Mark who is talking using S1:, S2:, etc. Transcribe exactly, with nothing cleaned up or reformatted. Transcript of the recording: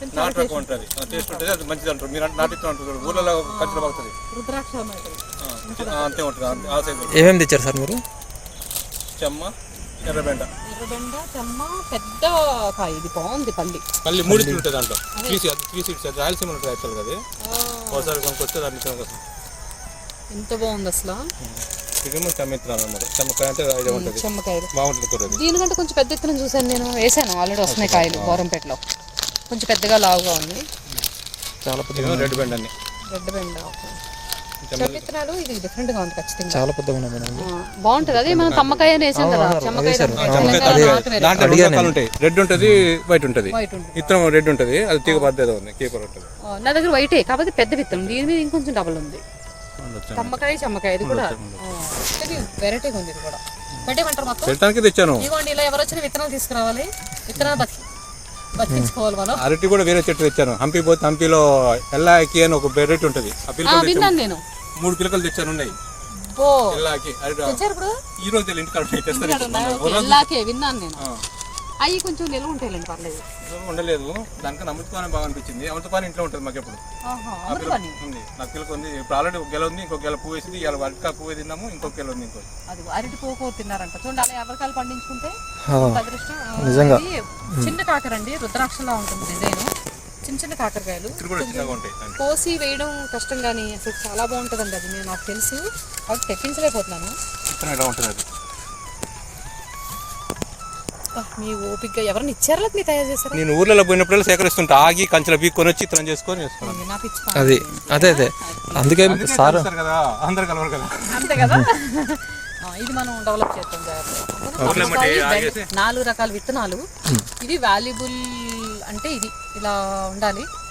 S1: నాటు రకం ఉంటుంది, టేస్ట్ ఉంటుంది, అది మంచిది అంటారు. మీరు నాటితో అంటారు, ఊళ్ళలో కంచెలు బాగుతుంది,
S2: రుద్రాక్ష
S1: అంతే ఉంటుంది. ఆ సైజు
S3: ఏమేమి తెచ్చారు సార్ మీరు?
S1: చెమ్మ, ఎర్రబెండ.
S2: ఎర్రబెండ, చెమ్మ, పెద్ద కాయ. ఇది బాగుంది పల్లి.
S1: పల్లి మూడు ఉంటుంది దాంట్లో, త్రీ త్రీ సీడ్స్. రాయలసీమ ఉంటుంది యాక్చువల్గా. అది ఒకసారి కొనుక్కొస్తే దాన్ని కోసం
S2: ఎంత బాగుంది అసలు.
S1: ఇదేమో చెమ్మిత్రాలు అన్నమాట. చెమ్మకాయ అంటే ఐడియా ఉంటుంది,
S2: చెమ్మకాయలు
S1: బాగుంటుంది కూర.
S2: దీనికంటే కొంచెం పెద్ద ఎత్తున చూసాను నేను, వేసాను ఆల్రెడీ, వస్తున్నాయి కాయలు బోరంపేటలో. కొంచెం పెద్దగా లావుగా ఉంది.
S3: చాలా పెద్ద
S1: రెడ్ బెండ్ అన్ని,
S2: రెడ్ బెండ. చెమ్మిత్రాలు ఇది డిఫరెంట్ గా ఉంది ఖచ్చితంగా,
S3: చాలా పెద్దగా ఉన్నాయి మేడం.
S2: బాగుంటుంది. అదే మనం తమ్మకాయ వేసాం కదా, చెమ్మకాయ
S1: దాంట్లో ఉంటాయి. రెడ్ ఉంటుంది, వైట్ ఉంటుంది.
S2: వైట్ ఉంటుంది,
S1: విత్తనం రెడ్ ఉంటుంది, అది తీగ బాధ్యత ఉంది, కీపర్ ఉంటుంది.
S2: నా దగ్గర వైటే కాకపోతే పెద్ద విత్తనం, దీని మీద ఇంకొంచెం డబల్ ఉంది. తమ్మకాయ, చెమ్మకాయ. ఇది కూడా ఇది వెరైటీగా ఉంది. ఇది కూడా పెట్టేమంటారు మొత్తం.
S1: పెట్టడానికి తెచ్చాను.
S2: ఇదిగోండి, ఇలా ఎవరు వచ్చిన విత్తనాలు తీసుకురావాలి, విత్తనాలు బతి బతికించుకోవాలి మనం.
S1: అరటి కూడా వేరే చెట్టు తెచ్చాను. హంపి పోతే హంపిలో ఎల్లాకి అని ఒక వెరైటీ ఉంటుంది. ఆ పిల్లలు
S2: విన్నాను నేను,
S1: మూడు పిల్లకలు తెచ్చాను ఉన్నాయి.
S2: ఓ
S1: ఎల్లాకి
S2: తెచ్చారు ఇప్పుడు.
S1: ఈ రోజు తెలియదు, ఇంటికాడ
S2: ఎల్లాకే విన్నాను నేను. అవి కొంచెం నిల్వ ఉంటాయిలేండి, పర్లేదు.
S1: ఉండలేదు, దానికి అమృతపానం బాగా అనిపించింది. అమృతపానం ఇంట్లో ఉంటుంది మాకు ఎప్పుడు ఉంది. నాకు పిల్లకి ఉంది. ఇప్పుడు ఆల్రెడీ ఒక గెల ఉంది, ఇంకొక గెల పువ్వు వేసింది. ఇవాళ వరకా పువ్వు తిన్నాము, ఇంకొక గెల ఉంది. ఇంకో
S2: అది అరటి పువ్వు తిన్నారంట. చూడండి, అలా ఎవరికాయలు పండించుకుంటే అదృష్టం.
S3: నిజంగా
S2: చిన్న కాకర అండి, రుద్రాక్షలా ఉంటుంది డిజైన్. చిన్న చిన్న కాకరకాయలు కోసి వేయడం కష్టం, కానీ అసలు చాలా బాగుంటుందండి. అది నేను నాకు తెలుసు, కాబట్టి తెప్పించలేకపోతున్నాను. మీ ఓపిక ఎవరైనా ఇచ్చారా, మీరు తయారు చేశారా?
S1: నేను ఊర్లలో పోయినప్పుడు సేకరిస్తుంటా, ఆగి కంచెల పీక్కొని వచ్చి ఇతరం చేసుకొని
S3: అది అదే అదే అందుకే సార్
S1: కదా, అందరు కలవరు కదా.
S2: అంతే కదా. ఇది మనం డెవలప్ చేస్తాం జాగ్రత్తగా. నాలుగు రకాల విత్తనాలు. ఇది వాల్యుబుల్ అంటే ఇది ఇలా ఉండాలి.